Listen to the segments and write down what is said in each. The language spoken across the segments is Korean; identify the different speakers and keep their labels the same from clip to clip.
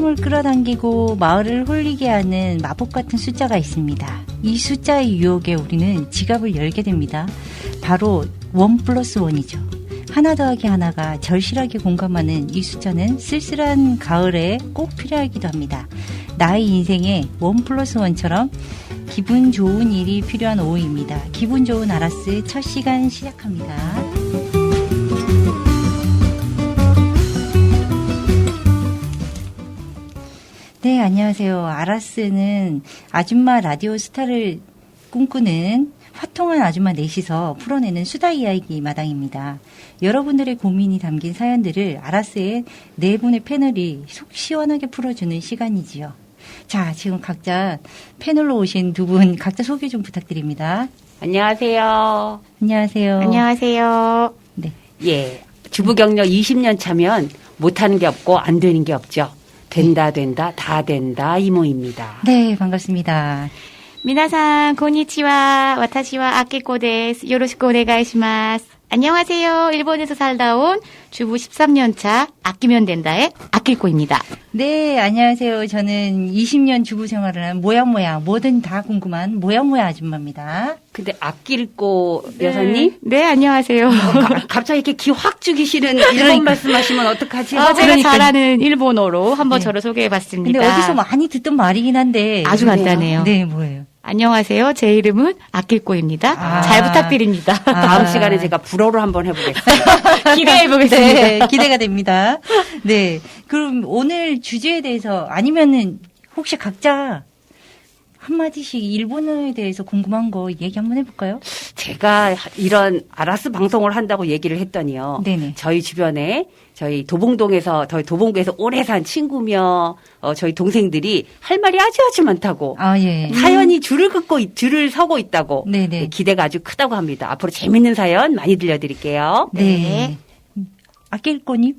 Speaker 1: 사람을 끌어당기고 마을을 홀리게 하는 마법 같은 숫자가 있습니다. 이 숫자의 유혹에 우리는 지갑을 열게 됩니다. 바로 1+1이죠. 하나 더하기 하나가 절실하게 공감하는 이 숫자는 쓸쓸한 가을에 꼭 필요하기도 합니다. 나의 인생에 1+1처럼 기분 좋은 일이 필요한 오후입니다. 기분 좋은 아라스 첫 시간 시작합니다. 네, 안녕하세요. 아라스는 아줌마 라디오 스타를 꿈꾸는 화통한 아줌마 넷이서 풀어내는 수다 이야기 마당입니다. 여러분들의 고민이 담긴 사연들을 아라스의 네 분의 패널이 속 시원하게 풀어주는 시간이지요. 자, 지금 각자 패널로 오신 두 분 각자 소개 좀 부탁드립니다.
Speaker 2: 안녕하세요.
Speaker 1: 안녕하세요.
Speaker 3: 안녕하세요.
Speaker 1: 네.
Speaker 2: 예. 주부 경력 20년 차면 못하는 게 없고 안 되는 게 없죠. 된다, 다 된다, 이모입니다.
Speaker 1: 네, 반갑습니다.
Speaker 3: 皆さんこんにちは。私は아키코です. 요로시ku 오네가이시마스. 안녕하세요. 일본에서 살다 온 주부 13년 차 아끼면 된다의 아키코입니다.
Speaker 1: 네, 안녕하세요. 저는 20년 주부 생활을 한 모양모양, 뭐든 다 궁금한 모양모양 아줌마입니다.
Speaker 2: 근데 아낄꼬 여사님?
Speaker 3: 네, 안녕하세요.
Speaker 2: 갑자기 이렇게 기 확 죽이시는 일본
Speaker 1: 그러니까.
Speaker 2: 말씀하시면 어떡하지?
Speaker 3: 제가
Speaker 1: 그러니까요.
Speaker 3: 잘하는 일본어로 한번
Speaker 1: 네.
Speaker 3: 저를 소개해봤습니다.
Speaker 1: 근데 어디서 많이 듣던 말이긴 한데.
Speaker 3: 아주 간단해요.
Speaker 1: 네, 뭐예요?
Speaker 3: 안녕하세요. 제 이름은 아킬코입니다.
Speaker 1: 아.
Speaker 3: 잘 부탁드립니다.
Speaker 2: 다음 시간에 제가 불어로 한번 해보겠습니다.
Speaker 3: 기대해보겠습니다.
Speaker 1: 네, 기대가 됩니다. 네. 그럼 오늘 주제에 대해서 아니면은 혹시 각자 한마디씩 일본어에 대해서 궁금한 거 얘기 한번 해볼까요?
Speaker 2: 제가 이런 아라스 방송을 한다고 얘기를 했더니요.
Speaker 1: 네네.
Speaker 2: 저희 주변에 저희 도봉구에서 오래 산 친구며 저희 동생들이 할 말이 아주 많다고.
Speaker 1: 아, 예.
Speaker 2: 사연이 줄을 서고 있다고.
Speaker 1: 네네.
Speaker 2: 기대가 아주 크다고 합니다. 앞으로 재밌는 사연 많이 들려드릴게요.
Speaker 1: 네. 아낄꼬님?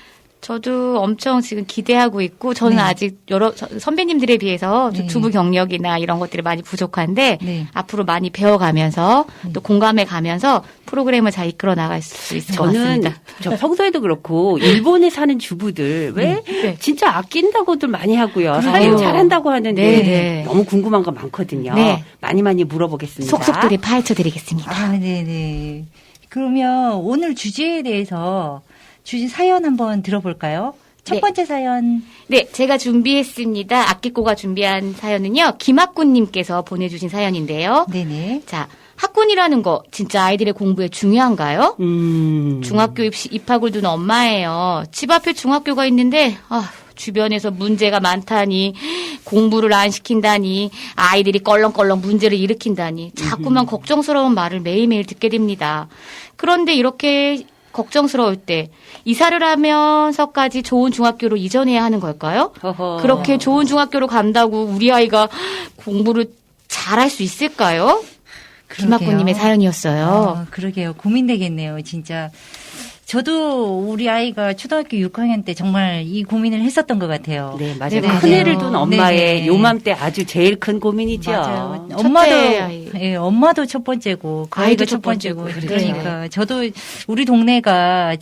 Speaker 3: 저도 엄청 지금 기대하고 있고 저는
Speaker 1: 네.
Speaker 3: 아직 여러 선배님들에 비해서
Speaker 1: 네.
Speaker 3: 주부 경력이나 이런 것들이 많이 부족한데
Speaker 1: 네.
Speaker 3: 앞으로 많이 배워가면서 또 공감해 가면서 프로그램을 잘 이끌어 나갈 수 있을 것
Speaker 2: 저는
Speaker 3: 같습니다.
Speaker 2: 저 평소에도 그렇고 일본에 사는 주부들 왜
Speaker 3: 네.
Speaker 2: 진짜 아낀다고들 많이 하고요.
Speaker 1: 그러게요.
Speaker 2: 사연 잘한다고 하는데
Speaker 3: 네, 네.
Speaker 2: 너무 궁금한 거 많거든요.
Speaker 3: 네.
Speaker 2: 많이 물어보겠습니다.
Speaker 3: 속속들이 파헤쳐드리겠습니다.
Speaker 1: 아, 네네. 그러면 오늘 주제에 대해서 주제 사연 한번 들어볼까요? 첫
Speaker 3: 네.
Speaker 1: 번째 사연.
Speaker 3: 네, 제가 준비했습니다. 아끼꼬가 준비한 사연은요. 김학군님께서 보내주신 사연인데요.
Speaker 1: 네네.
Speaker 3: 자, 학군이라는 거 진짜 아이들의 공부에 중요한가요? 중학교 입학을 둔 엄마예요. 집 앞에 중학교가 있는데 주변에서 문제가 많다니 공부를 안 시킨다니 아이들이 껄렁껄렁 문제를 일으킨다니 자꾸만 걱정스러운 말을 매일매일 듣게 됩니다. 그런데 이렇게 걱정스러울 때 이사를 하면서까지 좋은 중학교로 이전해야 하는 걸까요?
Speaker 2: 허허.
Speaker 3: 그렇게 좋은 중학교로 간다고 우리 아이가 공부를 잘할 수 있을까요? 김학구님의 사연이었어요.
Speaker 1: 그러게요. 고민되겠네요, 진짜. 저도 우리 아이가 초등학교 6학년 때 정말 이 고민을 했었던 것 같아요.
Speaker 2: 네, 맞아요.
Speaker 1: 네네.
Speaker 2: 큰애를 둔 엄마의
Speaker 1: 네네.
Speaker 2: 요맘때 아주 제일 큰 고민이죠.
Speaker 1: 맞아요.
Speaker 3: 첫째 아이.
Speaker 1: 엄마도 첫 번째고, 그
Speaker 3: 아이도
Speaker 1: 아이도
Speaker 3: 첫
Speaker 1: 첫 번째고.
Speaker 3: 번째고.
Speaker 1: 그러니까 저도 우리 동네가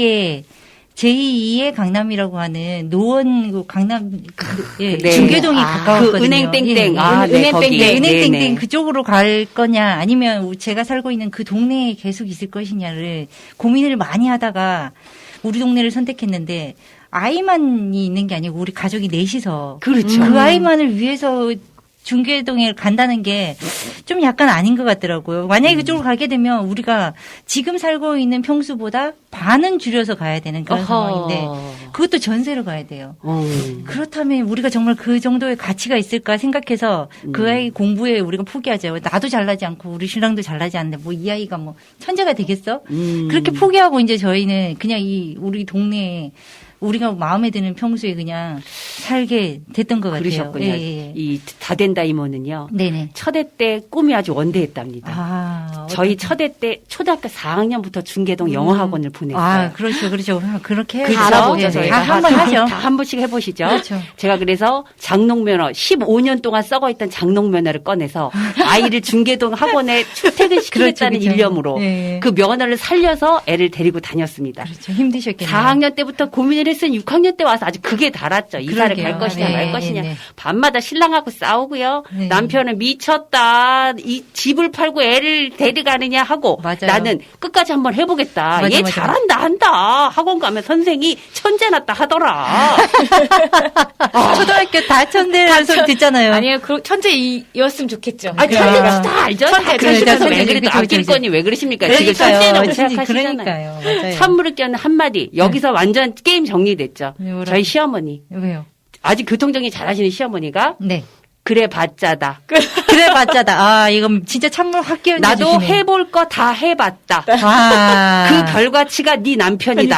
Speaker 1: 제2의 강남이라고 하는 노원 강남
Speaker 2: 네.
Speaker 1: 중계동이
Speaker 3: 아,
Speaker 1: 가까웠거든요.
Speaker 2: 그 은행 땡땡.
Speaker 1: 예, 예.
Speaker 2: 네, 거기.
Speaker 1: 네, 은행
Speaker 2: 네네.
Speaker 1: 땡땡 그쪽으로 갈 거냐 아니면 제가 살고 있는 그 동네에 계속 있을 것이냐를 고민을 많이 하다가 우리 동네를 선택했는데 아이만이 있는 게 아니고 우리 가족이 넷이서
Speaker 2: 그렇죠.
Speaker 1: 그 아이만을 위해서 중계동에 간다는 게 좀 약간 아닌 것 같더라고요. 만약에 그쪽으로 가게 되면 우리가 지금 살고 있는 평수보다 반은 줄여서 가야 되는 그런 상황인데 그것도 전세로 가야 돼요. 그렇다면 우리가 정말 그 정도의 가치가 있을까 생각해서 그 아이 공부에 우리가 포기하죠. 나도 잘나지 않고 우리 신랑도 잘나지 않는데 뭐 이 아이가 뭐 천재가 되겠어? 그렇게 포기하고 이제 저희는 그냥 우리 동네에 우리가 마음에 드는 평소에 그냥 살게 됐던 것 같아요.
Speaker 2: 그러셨군요.
Speaker 1: 예.
Speaker 2: 이 다된다 이모는요.
Speaker 1: 네네.
Speaker 2: 첫애 때 꿈이 아주 원대했답니다.
Speaker 1: 아,
Speaker 2: 저희 첫애 때 초등학교 4학년부터 중계동 영어학원을 보냈어요.
Speaker 1: 아, 그렇죠. 그렇게 해야죠.
Speaker 2: 그렇죠.
Speaker 3: 알아보죠,
Speaker 1: 네,
Speaker 3: 저희가.
Speaker 1: 다 한 번 하죠.
Speaker 2: 다 한 번씩 해보시죠.
Speaker 1: 그렇죠.
Speaker 2: 제가 그래서 장롱면허 15년 동안 썩어있던 장롱면허를 꺼내서 아이를 중계동 학원에 출퇴근시키겠다는
Speaker 1: 그렇죠.
Speaker 2: 일념으로
Speaker 1: 네.
Speaker 2: 그 면허를 살려서 애를 데리고 다녔습니다.
Speaker 1: 그렇죠. 힘드셨겠네요.
Speaker 2: 4학년 때부터 고민을 했으니 6학년 때 와서 아주 그게 달았죠. 이사를
Speaker 1: 그러게요.
Speaker 2: 갈 것이냐
Speaker 1: 네,
Speaker 2: 말 것이냐.
Speaker 1: 네.
Speaker 2: 밤마다 신랑하고 싸우고요.
Speaker 1: 네.
Speaker 2: 남편은 미쳤다. 이 집을 팔고 애를 데려가느냐 하고
Speaker 1: 맞아요.
Speaker 2: 나는 끝까지 한번 해보겠다.
Speaker 1: 맞아,
Speaker 2: 얘
Speaker 1: 맞아.
Speaker 2: 잘한다 한다. 학원 가면 선생이 천재 났다 하더라.
Speaker 1: 초등학교 다 천대라는 소리 듣잖아요.
Speaker 3: 아니에요. 천재이었으면 좋겠죠.
Speaker 2: 아, 천재는 다 알죠?
Speaker 3: 천재,
Speaker 2: 다 그러시면서
Speaker 1: 천재,
Speaker 2: 왜 그래도
Speaker 1: 그쵸,
Speaker 2: 아낄
Speaker 1: 그쵸.
Speaker 2: 거니 왜 그러십니까? 지금
Speaker 1: 그러니까요.
Speaker 2: 천재라고
Speaker 1: 진짜
Speaker 2: 생각하시잖아요.
Speaker 1: 그러니까요. 맞아요.
Speaker 2: 찬물을 껴는 한마디. 여기서 완전 게임 정리됐죠.
Speaker 1: 네, 뭐라고?
Speaker 2: 저희 시어머니.
Speaker 1: 왜요?
Speaker 2: 아직 교통정리 잘하시는 시어머니가
Speaker 1: 네.
Speaker 2: 그래 봤자다.
Speaker 1: 그래 봤자다. 아, 이건 진짜 찬물 확 끼얹어
Speaker 2: 나도
Speaker 1: 주시네.
Speaker 2: 해볼 거 다 해봤다.
Speaker 1: 아.
Speaker 2: 그 결과치가 네 남편이다.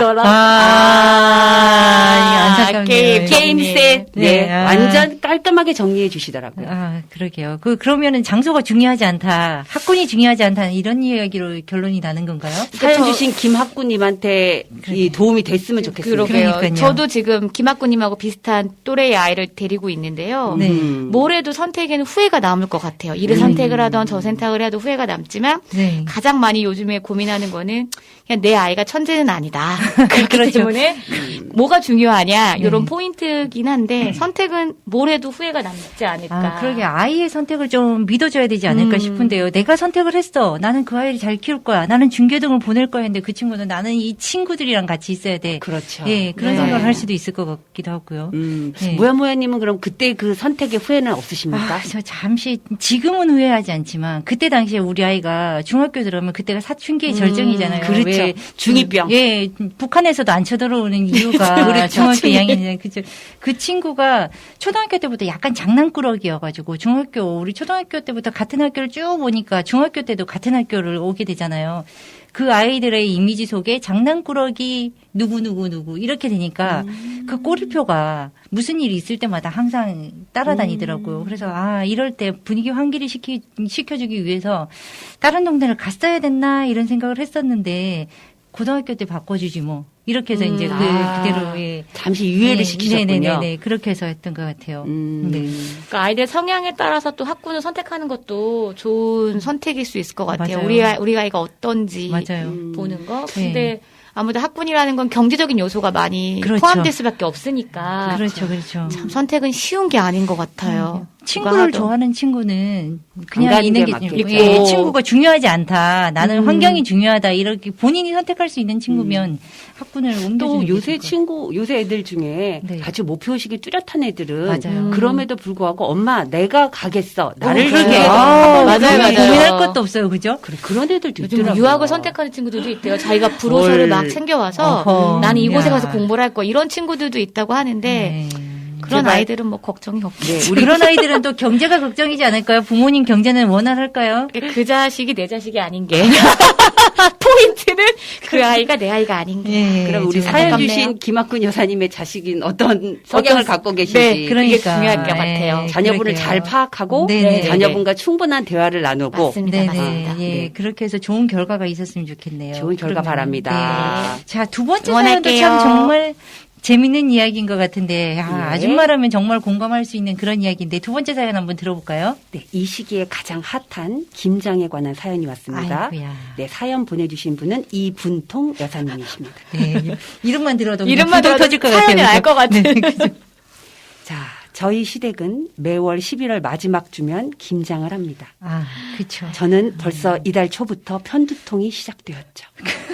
Speaker 1: 이게 안타깝네요.
Speaker 2: 게임 셋. 네,
Speaker 1: 네, 아.
Speaker 2: 완전 깔끔하게 정리해 주시더라고요.
Speaker 1: 아, 그러게요. 그러면은 장소가 중요하지 않다. 학군이 중요하지 않다. 이런 이야기로 결론이 나는 건가요?
Speaker 2: 사연 주신 김학구님한테 이 도움이 됐으면 좋겠습니다.
Speaker 3: 그러게요.
Speaker 1: 그러니까요.
Speaker 3: 저도 지금 김학구님하고 비슷한 또래의 아이를 데리고 있는데요.
Speaker 1: 네.
Speaker 3: 뭘 해도 선택에는 후회가 남을 것 같아요. 이를 선택을 하던 저 선택을 해도 후회가 남지만
Speaker 1: 네.
Speaker 3: 가장 많이 요즘에 고민하는 거는 그냥 내 아이가 천재는 아니다. 그렇기
Speaker 1: 그렇죠.
Speaker 3: 때문에 뭐가 중요하냐 이런
Speaker 1: 네.
Speaker 3: 포인트긴 한데 선택은 뭘 해도 후회가 남지 않을까.
Speaker 1: 아, 그러게 아이의 선택을 좀 믿어줘야 되지 않을까 싶은데요. 내가 선택을 했어. 나는 그 아이를 잘 키울 거야. 나는 중계등을 보낼 거야 했는데 그 친구는 나는 이 친구들이랑 같이 있어야 돼.
Speaker 2: 그렇죠.
Speaker 1: 예, 그런
Speaker 3: 네.
Speaker 1: 생각을 할 수도 있을 것 같기도 하고요. 네.
Speaker 2: 모야모야님은 그럼 그때 그 선택의 후회는 없으십니까?
Speaker 1: 아, 저 잠시 지금은 후회하지 않지만 그때 당시에 우리 아이가 중학교 들어오면 그때가 사춘기의 절정이잖아요.
Speaker 2: 그렇죠.
Speaker 1: 왜
Speaker 2: 중이병.
Speaker 1: 예, 북한에서도 안 쳐들어오는 이유가
Speaker 2: 그렇죠.
Speaker 1: 중학교
Speaker 2: 중이.
Speaker 1: 2학년이잖아요. 그죠? 그 친구가 초등학교 때부터 약간 장난꾸러기여가지고 우리 초등학교 때부터 같은 학교를 쭉 오니까 중학교 때도 같은 학교를 오게 되잖아요. 그 아이들의 이미지 속에 장난꾸러기 누구 이렇게 되니까 그 꼬리표가 무슨 일이 있을 때마다 항상 따라다니더라고요. 그래서 이럴 때 분위기 환기를 시켜주기 위해서 다른 동네를 갔어야 됐나 이런 생각을 했었는데 고등학교 때 바꿔주지 뭐 이렇게 해서 이제 그대로 예.
Speaker 2: 잠시 유예를 시키셨군요.
Speaker 1: 네네네 그렇게 해서 했던 것 같아요. 네.
Speaker 3: 그러니까 아이들 성향에 따라서 또 학군을 선택하는 것도 좋은 선택일 수 있을 것 같아요.
Speaker 1: 맞아요.
Speaker 3: 우리 아이가 어떤지
Speaker 1: 맞아요.
Speaker 3: 보는 거.
Speaker 1: 네.
Speaker 3: 근데 아무래도 학군이라는 건 경제적인 요소가 많이
Speaker 1: 그렇죠.
Speaker 3: 포함될 수밖에 없으니까
Speaker 1: 그렇죠.
Speaker 3: 참 선택은 쉬운 게 아닌 것 같아요.
Speaker 1: 친구를
Speaker 3: 누가 하든.
Speaker 1: 좋아하는 친구는
Speaker 2: 안
Speaker 1: 그냥
Speaker 2: 가는
Speaker 1: 있는
Speaker 2: 게
Speaker 1: 게
Speaker 2: 맞겠죠.
Speaker 1: 예, 친구가 중요하지 않다. 나는 환경이 중요하다. 이렇게 본인이 선택할 수 있는 친구면 학군을 옮겨주는
Speaker 2: 또
Speaker 1: 게
Speaker 2: 요새
Speaker 1: 좋을 것
Speaker 2: 요새 애들 중에
Speaker 1: 네.
Speaker 2: 아주 목표의식이 뚜렷한 애들은
Speaker 1: 맞아요.
Speaker 2: 그럼에도 불구하고 엄마 내가 가겠어. 나를
Speaker 1: 그러게요.
Speaker 2: 위해
Speaker 3: 맞아요, 맞아요.
Speaker 1: 고민할 것도 없어요. 그죠?
Speaker 2: 그런 애들도
Speaker 3: 요즘
Speaker 2: 있더라고요.
Speaker 3: 유학을 선택하는 친구들도 있대요. 자기가 브로셔를 막 챙겨와서
Speaker 1: 어허.
Speaker 3: 나는 이곳에
Speaker 1: 야.
Speaker 3: 가서 공부를 할 거야. 이런 친구들도 있다고 하는데
Speaker 1: 네.
Speaker 3: 그런
Speaker 2: 제발.
Speaker 3: 아이들은 뭐 걱정이 없죠.
Speaker 2: 네, 우리
Speaker 1: 그런 아이들은 또 경제가 걱정이지 않을까요? 부모님 경제는 원활할까요?
Speaker 3: 그 자식이 내 자식이 아닌 게 포인트는 그 아이가 내 아이가 아닌 게.
Speaker 1: 예,
Speaker 2: 그럼 우리
Speaker 1: 좀
Speaker 2: 사연
Speaker 3: 안타깝네요.
Speaker 2: 주신 김학근 여사님의 자식인 어떤 성향을 갖고 계신지
Speaker 3: 네,
Speaker 1: 그러니까
Speaker 3: 그게 중요할 것 같아요.
Speaker 2: 자녀분을
Speaker 1: 그러게요.
Speaker 2: 잘 파악하고
Speaker 1: 네네.
Speaker 2: 자녀분과 충분한 대화를 나누고
Speaker 3: 맞습니다.
Speaker 1: 네네.
Speaker 3: 맞습니다.
Speaker 1: 예,
Speaker 2: 네.
Speaker 1: 그렇게 해서 좋은 결과가 있었으면 좋겠네요.
Speaker 2: 좋은 결과
Speaker 1: 그러면.
Speaker 2: 바랍니다.
Speaker 1: 네. 자, 두 번째
Speaker 3: 응원할게요.
Speaker 1: 사연도 참 정말 재밌는 이야기인 것 같은데,
Speaker 2: 네.
Speaker 1: 아줌마라면 정말 공감할 수 있는 그런 이야기인데, 두 번째 사연 한번 들어볼까요?
Speaker 2: 네, 이 시기에 가장 핫한 김장에 관한 사연이 왔습니다.
Speaker 1: 아이고야.
Speaker 2: 네, 사연 보내주신 분은 이분통 여사님이십니다.
Speaker 1: 네. 이름만 들어도
Speaker 3: 이름만
Speaker 1: 부동
Speaker 3: 들어도
Speaker 1: 터질 것
Speaker 3: 사연을
Speaker 1: 같아요.
Speaker 3: 알 것 같은.
Speaker 1: 네, 그죠?
Speaker 2: 자, 저희 시댁은 매월 11월 마지막 주면 김장을 합니다.
Speaker 1: 아, 그쵸.
Speaker 2: 저는 벌써 이달 초부터 편두통이 시작되었죠.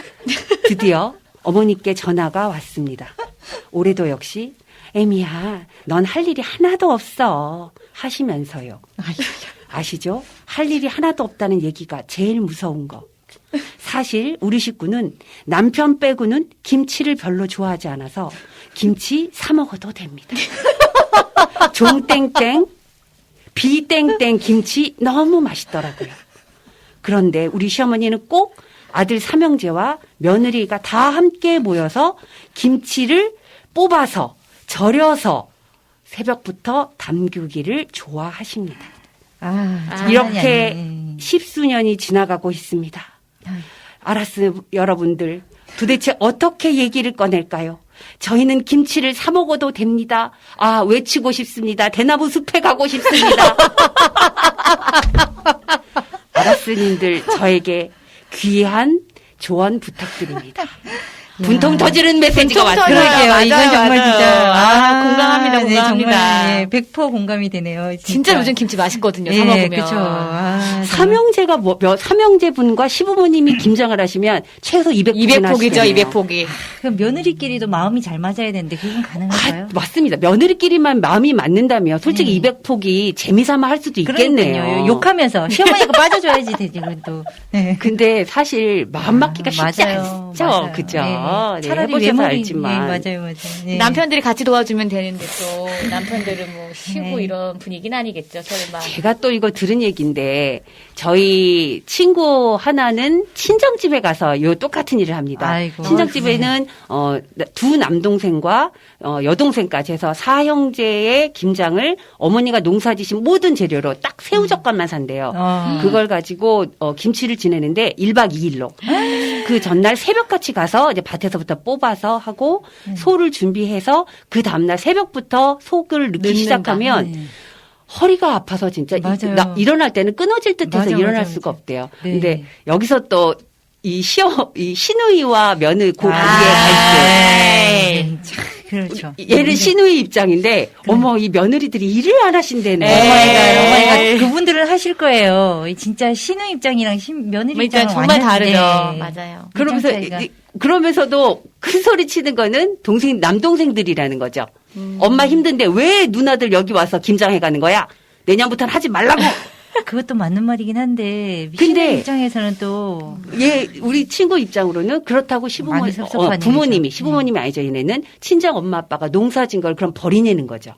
Speaker 2: 드디어 어머니께 전화가 왔습니다. 올해도 역시 애미야, 넌 할 일이 하나도 없어 하시면서요. 아시죠? 할 일이 하나도 없다는 얘기가 제일 무서운 거. 사실 우리 식구는 남편 빼고는 김치를 별로 좋아하지 않아서 김치 사 먹어도 됩니다. 종땡땡, 비땡땡 김치 너무 맛있더라고요. 그런데 우리 시어머니는 꼭 아들 삼형제와 며느리가 다 함께 모여서 김치를 뽑아서 절여서 새벽부터 담그기를 좋아하십니다.
Speaker 1: 장난이
Speaker 2: 이렇게
Speaker 1: 아니네.
Speaker 2: 10수년이 지나가고 있습니다. 알았어요, 여러분들. 도대체 어떻게 얘기를 꺼낼까요? 저희는 김치를 사 먹어도 됩니다. 아, 외치고 싶습니다. 대나무 숲에 가고 싶습니다. 알았으님들, 저에게 귀한 조언 부탁드립니다. 분통 터지는 메시지가 왔어요.
Speaker 1: 그러게요.
Speaker 3: 맞아요,
Speaker 1: 이건 정말
Speaker 3: 맞아요.
Speaker 1: 진짜.
Speaker 3: 공감합니다,
Speaker 1: 네,
Speaker 3: 공감합니다.
Speaker 1: 정말, 예, 100% 공감이 되네요.
Speaker 3: 진짜 요즘 김치 맛있거든요.
Speaker 1: 예,
Speaker 3: 사 먹으면.
Speaker 1: 그쵸.
Speaker 2: 삼형제가 삼형제분과 시부모님이 김장을 하시면 최소 200포기나
Speaker 3: 200포기죠, 200포기.
Speaker 1: 그럼 며느리끼리도 마음이 잘 맞아야 되는데 그건 가능할까요?
Speaker 2: 맞습니다. 며느리끼리만 마음이 맞는다면 솔직히 200포기 재미삼아 할 수도 있겠네요.
Speaker 1: 그러니까요. 욕하면서 시어머니가 빠져줘야지 되지 그래도. 네.
Speaker 2: 근데 사실 마음 맞기가 쉽지
Speaker 1: 맞아요.
Speaker 2: 않죠.
Speaker 1: 맞아요.
Speaker 2: 그죠?
Speaker 1: 네.
Speaker 2: 네,
Speaker 1: 차라리
Speaker 2: 해보셔서
Speaker 1: 외모리
Speaker 2: 알지만.
Speaker 1: 네, 맞아요. 네.
Speaker 3: 남편들이 같이 도와주면 되는데 또 남편들은 뭐 쉬고
Speaker 1: 네.
Speaker 3: 이런 분위기는 아니겠죠, 설마.
Speaker 2: 제가 또 이거 들은 얘기인데 저희 친구 하나는 친정집에 가서 요 똑같은 일을 합니다.
Speaker 1: 아이고.
Speaker 2: 친정집에는 두 남동생과 여동생까지 해서 4형제의 김장을 어머니가 농사지신 모든 재료로 딱 새우젓갈만 산대요. 그걸 가지고 김치를 지내는데 1박 2일로 그 전날 새벽같이 가서 이제 밭에서부터 뽑아서 하고 소를 준비해서 그 다음날 새벽부터 속을 넣기
Speaker 3: 넣는다.
Speaker 2: 시작하면
Speaker 1: 네.
Speaker 2: 허리가 아파서 진짜
Speaker 1: 맞아요.
Speaker 2: 일어날 때는 끊어질 듯해서
Speaker 1: 맞아,
Speaker 2: 일어날
Speaker 1: 맞아,
Speaker 2: 수가
Speaker 1: 맞아.
Speaker 2: 없대요.
Speaker 1: 네.
Speaker 2: 근데 여기서 또 이 시누이와 며느리 그
Speaker 1: 아,
Speaker 2: 위에 갈등.
Speaker 1: 네. 참, 그렇죠.
Speaker 2: 얘는 시누이 입장인데 어머 이 며느리들이 일을 안 하신대네.
Speaker 1: 어머니가 그분들은 하실 거예요. 진짜 신우 입장이랑 며느리 입장은
Speaker 3: 그러니까 정말
Speaker 1: 완전
Speaker 3: 다르죠.
Speaker 1: 네.
Speaker 3: 맞아요.
Speaker 2: 그러면서
Speaker 1: 입장 차이가.
Speaker 2: 그러면서도 큰 소리 치는 거는 남동생들이라는 거죠. 엄마 힘든데 왜 누나들 여기 와서 김장해 가는 거야? 내년부터는 하지 말라고.
Speaker 1: 그것도 맞는 말이긴 한데
Speaker 2: 근데
Speaker 1: 신우 입장에서는 또
Speaker 2: 우리 친구 입장으로는 그렇다고
Speaker 1: 많이 섭섭한
Speaker 2: 부모님이
Speaker 1: 일이죠.
Speaker 2: 시부모님이 아니죠. 얘네는 친정 엄마 아빠가 농사진 걸 그럼 버리내는 거죠.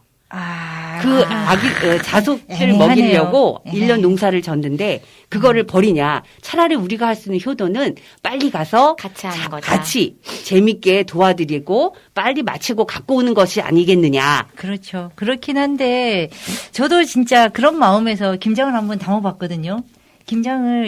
Speaker 2: 그 자손을
Speaker 1: 애매하네요.
Speaker 2: 먹이려고
Speaker 1: 애매해요.
Speaker 2: 1년 농사를 졌는데 그거를 버리냐. 차라리 우리가 할 수 있는 효도는 빨리 가서
Speaker 3: 같이 하는 거다.
Speaker 2: 같이 재밌게 도와드리고 빨리 마치고 갖고 오는 것이 아니겠느냐.
Speaker 1: 그렇죠. 그렇긴 한데 저도 진짜 그런 마음에서 김장을 한번 담아봤거든요. 김장을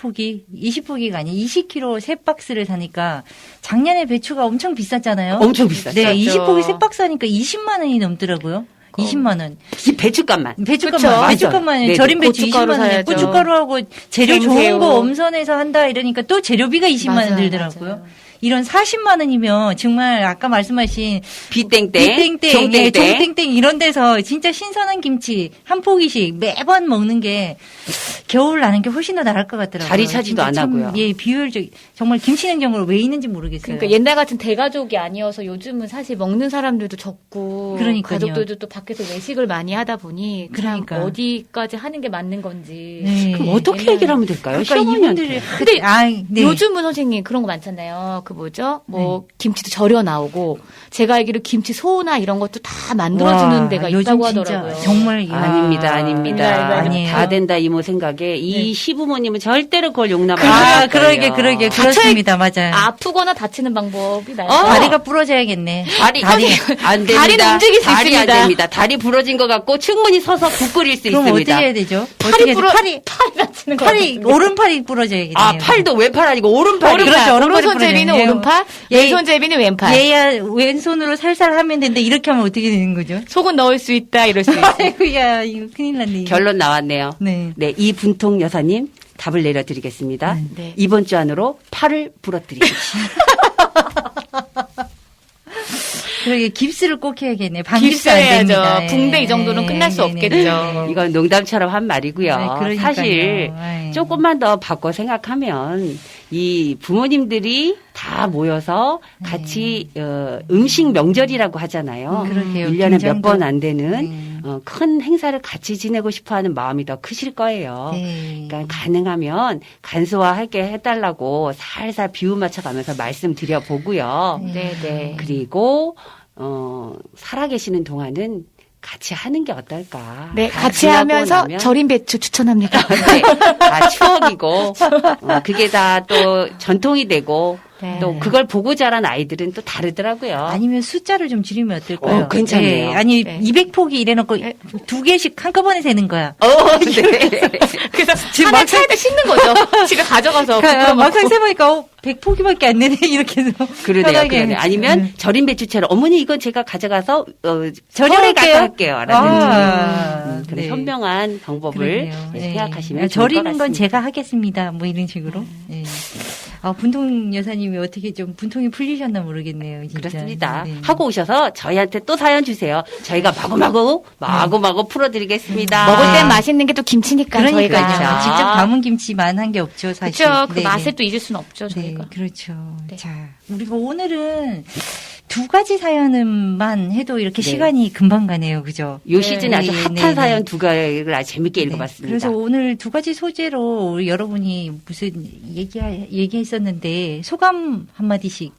Speaker 1: 20포기가 아니라 20kg 세 박스를 사니까 작년에 배추가 엄청 비쌌잖아요.
Speaker 2: 엄청 비쌌죠.
Speaker 1: 네,
Speaker 3: 비쌌죠.
Speaker 1: 20포기 세 박스 하니까 20만 원이 넘더라고요. 20만 원.
Speaker 2: 이 배춧값만.
Speaker 1: 배춧값만
Speaker 2: 네네.
Speaker 1: 절임 배추
Speaker 3: 고춧가루
Speaker 1: 20만 원.
Speaker 3: 사야죠.
Speaker 1: 고춧가루하고 재료 좋은
Speaker 3: 생새우.
Speaker 1: 거 엄선해서 한다 이러니까 또 재료비가 20만 원
Speaker 3: 맞아요,
Speaker 1: 들더라고요.
Speaker 3: 맞아요.
Speaker 1: 이런 40만 원이면 정말 아까 말씀하신
Speaker 2: 비땡땡,
Speaker 1: 비땡땡,
Speaker 2: 종땡땡.
Speaker 1: 종땡땡 이런 데서 진짜 신선한 김치 한 포기씩 매번 먹는 게 겨울 나는 게 훨씬 더 나을 것 같더라고요.
Speaker 2: 자리 차지도
Speaker 1: 진짜
Speaker 2: 안
Speaker 1: 참,
Speaker 2: 하고요.
Speaker 1: 예, 비효율적. 정말 김치 냉장고를 왜 있는지 모르겠어요.
Speaker 3: 그러니까 옛날 같은 대가족이 아니어서 요즘은 사실 먹는 사람들도 적고
Speaker 1: 그러니까요.
Speaker 3: 가족들도 또 밖에서 외식을 많이 하다 보니 그냥
Speaker 1: 그러니까.
Speaker 3: 어디까지 하는 게 맞는 건지.
Speaker 1: 네.
Speaker 2: 그럼 어떻게
Speaker 3: 옛날-
Speaker 2: 얘기를 하면 될까요?
Speaker 1: 그러니까
Speaker 2: 시어머니한테.
Speaker 1: 이분들이
Speaker 3: 근데
Speaker 1: 네.
Speaker 3: 요즘은 선생님 그런 거 많잖아요. 그 뭐죠? 뭐 김치도 절여 나오고 제가 알기로 김치 소나 이런 것도 다 만들어주는
Speaker 1: 와,
Speaker 3: 데가
Speaker 1: 요즘
Speaker 3: 있다고
Speaker 1: 진짜
Speaker 3: 하더라고요.
Speaker 1: 정말
Speaker 2: 아닙니다.
Speaker 1: 아니에요.
Speaker 2: 다 된다 이모 생각에 이 시부모님은 절대로 그걸 용납 안
Speaker 1: 아,
Speaker 2: 할 거예요.
Speaker 1: 그러게 그렇습니다. 맞아요.
Speaker 3: 아프거나 다치는 방법이 나요.
Speaker 1: 다리가 부러져야겠네.
Speaker 2: 다리 안 됩니다.
Speaker 3: 다리는 움직일 수
Speaker 2: 다리 안
Speaker 3: 있습니다.
Speaker 2: 됩니다. 다리 부러진 것 같고 충분히 서서 국 끓일 수
Speaker 1: 그럼
Speaker 2: 있습니다.
Speaker 1: 어떻게 해야 되죠?
Speaker 3: 팔이
Speaker 1: 팔이
Speaker 3: 다치는 거
Speaker 1: 오른팔이 부러져야겠네요.
Speaker 2: 아 팔도 왼팔 아니고 오른팔이.
Speaker 1: 그렇죠. 오른팔이
Speaker 3: 오른손잡이는
Speaker 1: 부러지네요.
Speaker 3: 오른팔,
Speaker 1: 예.
Speaker 3: 왼손잡이는 왼팔.
Speaker 1: 얘야 왼손으로 살살 하면 되는데 이렇게 하면 어떻게 되는 거죠?
Speaker 3: 속은 넣을 수 있다 이럴 수 있어.
Speaker 1: 아이고야 이거 큰일 났네. 이거.
Speaker 2: 결론 나왔네요.
Speaker 1: 네.
Speaker 2: 네, 이 분통 여사님 답을 내려드리겠습니다.
Speaker 3: 네.
Speaker 2: 이번 주 안으로 팔을 부러뜨리십시오.
Speaker 1: 그러게 깁스를 꼭 해야겠네. 방깁스 안
Speaker 3: 깁스해야죠.
Speaker 1: 됩니다.
Speaker 3: 붕대 이 정도는 끝날 수 없겠죠.
Speaker 2: 이건 농담처럼 한 말이고요.
Speaker 1: 네, 그러니까요.
Speaker 2: 사실
Speaker 1: 아이.
Speaker 2: 조금만 더 바꿔 생각하면 이 부모님들이 다 모여서 같이 음식 명절이라고 하잖아요.
Speaker 1: 그러게요.
Speaker 2: 1년에 몇
Speaker 1: 김장도-
Speaker 2: 번 안 되는
Speaker 1: 네.
Speaker 2: 큰 행사를 같이 지내고 싶어하는 마음이 더 크실 거예요.
Speaker 1: 네.
Speaker 2: 그러니까 가능하면 간소화하게 해달라고 살살 비유 맞춰가면서 말씀드려 보고요.
Speaker 3: 네네.
Speaker 2: 그리고 살아계시는 동안은 같이 하는 게 어떨까?
Speaker 3: 네,
Speaker 2: 다
Speaker 3: 같이
Speaker 2: 지나고
Speaker 3: 하면서
Speaker 2: 나면
Speaker 3: 절임 배추 추천합니다.
Speaker 2: 네, 다 추억이고 그게 다 또 전통이 되고
Speaker 3: 네.
Speaker 2: 또 그걸 보고 자란 아이들은 또 다르더라고요.
Speaker 1: 아니면 숫자를 좀 줄이면 어떨까요?
Speaker 2: 괜찮네요.
Speaker 1: 아니
Speaker 3: 네.
Speaker 1: 200포기 이래놓고 2개씩 한꺼번에 세는 거야.
Speaker 2: 네.
Speaker 3: 그래서
Speaker 1: 지금
Speaker 3: 하나
Speaker 1: 막상-
Speaker 3: 차에다 싣는 거죠. 집에 가져가서 부풀어
Speaker 1: 막상
Speaker 3: 먹고.
Speaker 1: 세보니까 100포기밖에 안 되네 이렇게 해서
Speaker 2: 그러네요. 아니면 절임 배추처럼 어머니 이건 제가 가져가서 절임에
Speaker 1: 절여할게요.
Speaker 2: 가서 할게요. 라든지. 그런
Speaker 1: 네.
Speaker 2: 현명한 방법을
Speaker 1: 그러네요. 네.
Speaker 2: 생각하시면 좋을 것
Speaker 1: 절이는 건
Speaker 2: 같습니다.
Speaker 1: 제가 하겠습니다. 뭐 이런 식으로. 네. 분통 여사님이 어떻게 좀 분통이 풀리셨나 모르겠네요. 진짜.
Speaker 2: 그렇습니다.
Speaker 1: 네.
Speaker 2: 하고 오셔서 저희한테 또 사연 주세요. 저희가 마구마구 풀어드리겠습니다.
Speaker 3: 먹을 땐 맛있는 게 또 김치니까
Speaker 1: 그러니까요.
Speaker 3: 저희가.
Speaker 1: 직접 담은 김치만 한 게 없죠, 사실.
Speaker 3: 그렇죠. 그
Speaker 1: 네,
Speaker 3: 맛을
Speaker 1: 네.
Speaker 3: 또 잊을 수는 없죠,
Speaker 1: 네,
Speaker 3: 저희가.
Speaker 1: 그렇죠.
Speaker 3: 네.
Speaker 1: 자, 우리가 오늘은 2가지 사연만 해도 이렇게
Speaker 2: 네.
Speaker 1: 시간이 금방 가네요. 그죠?
Speaker 2: 요 시즌에 아주
Speaker 1: 네,
Speaker 2: 핫한
Speaker 1: 네,
Speaker 2: 사연
Speaker 1: 네.
Speaker 2: 두 가지를 아주 재밌게
Speaker 1: 네.
Speaker 2: 읽어봤습니다.
Speaker 1: 그래서 오늘 2가지 소재로 우리 여러분이 무슨 얘기했었는데 소감 한마디씩.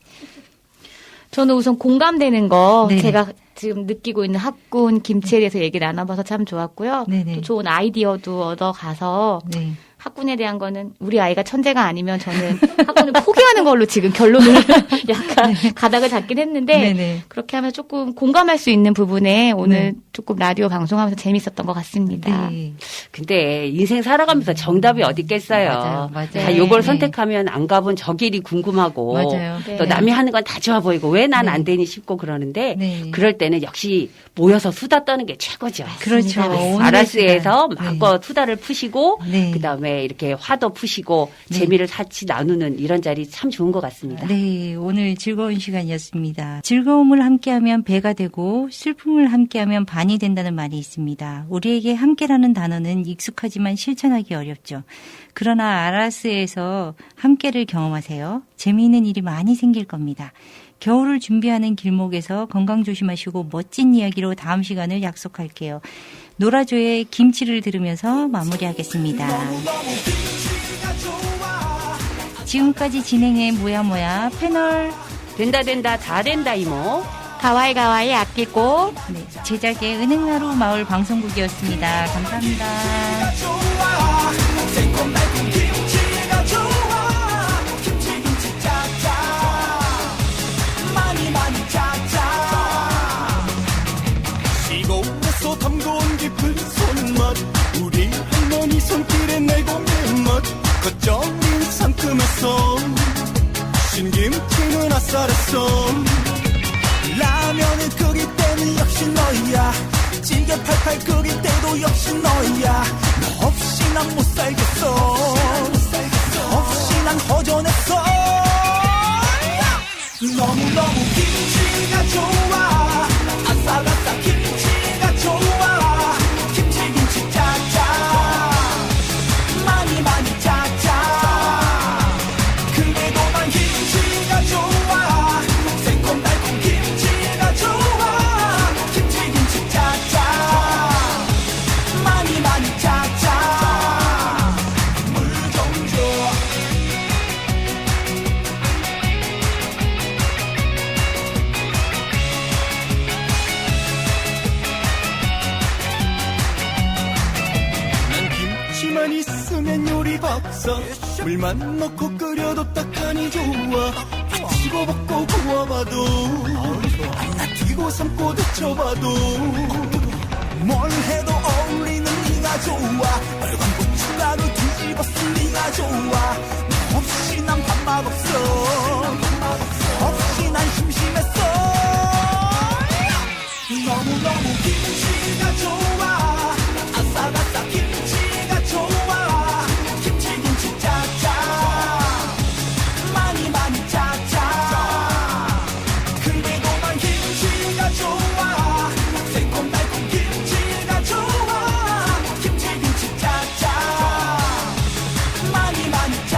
Speaker 3: 저는 우선 공감되는 거
Speaker 1: 네네.
Speaker 3: 제가 지금 느끼고 있는 학군 김치에 대해서 얘기 나눠봐서 참 좋았고요.
Speaker 1: 네네.
Speaker 3: 또 좋은 아이디어도 얻어가서
Speaker 1: 네.
Speaker 3: 학군에 대한 거는 우리 아이가 천재가 아니면 저는 학군을 포기하는 걸로 지금 결론을 약간 가닥을 잡긴 했는데
Speaker 1: 네네.
Speaker 3: 그렇게 하면 조금 공감할 수 있는 부분에 오늘 조금 라디오 방송하면서 재밌었던 것 같습니다.
Speaker 1: 네.
Speaker 2: 근데 인생 살아가면서 정답이 어디 있겠어요.
Speaker 1: 맞아요.
Speaker 2: 다 요걸
Speaker 1: 네.
Speaker 2: 선택하면 안 가본 저 길이 궁금하고
Speaker 1: 맞아요.
Speaker 3: 네.
Speaker 2: 또 남이 하는 건 다 좋아 보이고 왜 난
Speaker 1: 네.
Speaker 2: 안 되니 싶고 그러는데
Speaker 1: 네.
Speaker 2: 그럴 때는 역시 모여서 수다 떠는 게 최고죠.
Speaker 1: 그렇죠. 오늘의
Speaker 2: 아라스에서
Speaker 1: 시간.
Speaker 2: 마음껏 수다를 푸시고
Speaker 1: 네.
Speaker 2: 그다음에 이렇게 화도 푸시고
Speaker 1: 네.
Speaker 2: 재미를 같이 나누는 이런 자리 참 좋은 것 같습니다.
Speaker 1: 네, 오늘 즐거운 시간이었습니다. 즐거움을 함께하면 배가 되고 슬픔을 함께하면 반이 된다는 말이 있습니다. 우리에게 함께라는 단어는 익숙하지만 실천하기 어렵죠. 그러나 아라스에서 함께를 경험하세요. 재미있는 일이 많이 생길 겁니다. 겨울을 준비하는 길목에서 건강 조심하시고 멋진 이야기로 다음 시간을 약속할게요. 노라조의 김치를 들으면서 마무리하겠습니다. 지금까지 진행해 뭐야 패널
Speaker 2: 된다 다 된다 이모.
Speaker 3: 가와이 아끼고
Speaker 1: 네, 제작의 은행나루 마을 방송국이었습니다. 감사합니다.
Speaker 4: 새콤달콤 김치가 좋아 김치 짜자 많이 짜자 시골에서 담궈온 깊은 손맛 우리 할머니 손길에 내공의 맛 겉절인 상큼했어 신김치는 아싸랬어 라면을 끓일 때는 역시 너야 찌개 팔팔 끓일 때도 역시 너야 너 없이 난 못 살겠어 없이 난 허전했어 너무너무 김치가 좋아 아싸아싸 김치가 좋아 김치 짜자 많이 짜자 그래도 난 김치가 좋아 새콤달콤 김치가 좋아 김치 짜자 많이 짜자 물 좀 줘 난 김치만 있으면 요리 박사 물만 넣고 끓여도 딱하니 좋아 치고 볶고 구워봐도 나 튀고 삶고 데쳐봐도 뭘 해도 어울리는 네가 좋아 빨간 고춧가루 뒤집어 쓴 네가 좋아 너 없이 난 밥맛 없어 없이 난 심심했어 너무너무 김치가 좋아 아싸아싸 김치가 좋아 김치 짜자 많이 짜자 그래도 난 김치가 좋아 새콤달콤 김치가 좋아 김치 짜자 많이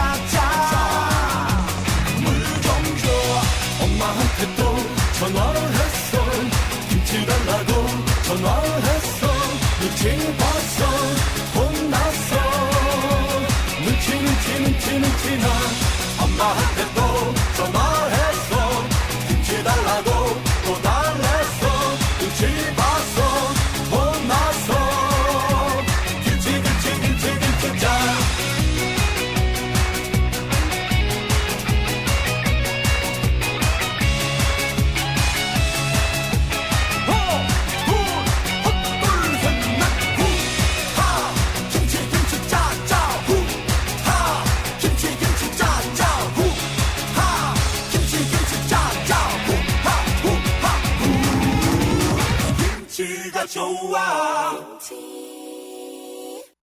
Speaker 4: 짜자 물 좀 줘 엄마한테 또 전화를 했어 김치 달라고 전화를 했어 눈치 봤어 혼났어 눈치 나 엄마한테 또 전화